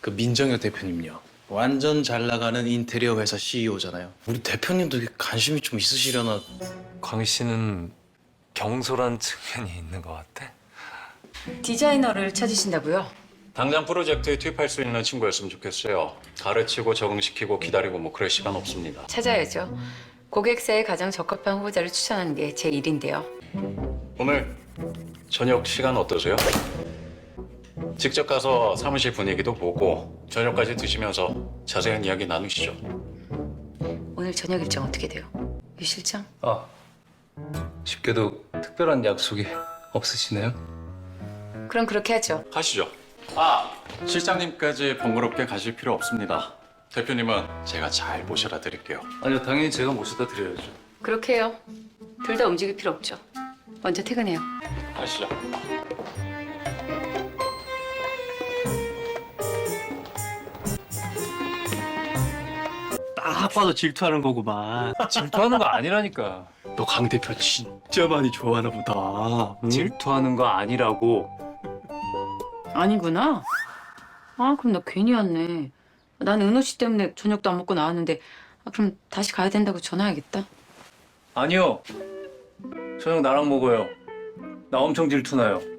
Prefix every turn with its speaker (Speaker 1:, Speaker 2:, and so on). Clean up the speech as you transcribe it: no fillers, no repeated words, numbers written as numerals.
Speaker 1: 그 민정혁 대표님요. 완전 잘 나가는 인테리어 회사 CEO잖아요. 우리 대표님도 관심이 좀 있으시려나.
Speaker 2: 광희 씨는 경솔한 측면이 있는 것 같아.
Speaker 3: 디자이너를 찾으신다고요?
Speaker 4: 당장 프로젝트에 투입할 수 있는 친구였으면 좋겠어요. 가르치고 적응시키고 기다리고 뭐 그럴 시간 없습니다.
Speaker 3: 찾아야죠. 고객사에 가장 적합한 후보자를 추천하는 게 제 일인데요.
Speaker 4: 오늘 저녁 시간 어떠세요? 직접 가서 사무실 분위기도 보고 저녁까지 드시면서 자세한 이야기 나누시죠.
Speaker 3: 오늘 저녁 일정 어떻게 돼요? 유 실장?
Speaker 2: 아, 쉽게도 특별한 약속이 없으시네요?
Speaker 3: 그럼 그렇게 하죠.
Speaker 4: 하시죠. 실장님까지 번거롭게 가실 필요 없습니다. 대표님은 제가 잘 모셔다 드릴게요.
Speaker 2: 아니요, 당연히 제가 모셔다 드려야죠.
Speaker 3: 그렇게 해요. 둘 다 움직일 필요 없죠. 먼저 퇴근해요.
Speaker 4: 가시죠.
Speaker 5: 딱 봐도 질투하는 거구만.
Speaker 2: 질투하는 거 아니라니까.
Speaker 5: 너 강 대표 진짜 많이 좋아하나 보다. 응?
Speaker 2: 질투하는 거 아니라고.
Speaker 3: 아니구나. 아, 그럼 나 괜히 왔네. 난 은호 씨 때문에 저녁도 안 먹고 나왔는데 그럼 다시 가야 된다고 전화해야겠다.
Speaker 2: 아니요. 저녁 나랑 먹어요. 나 엄청 질투나요.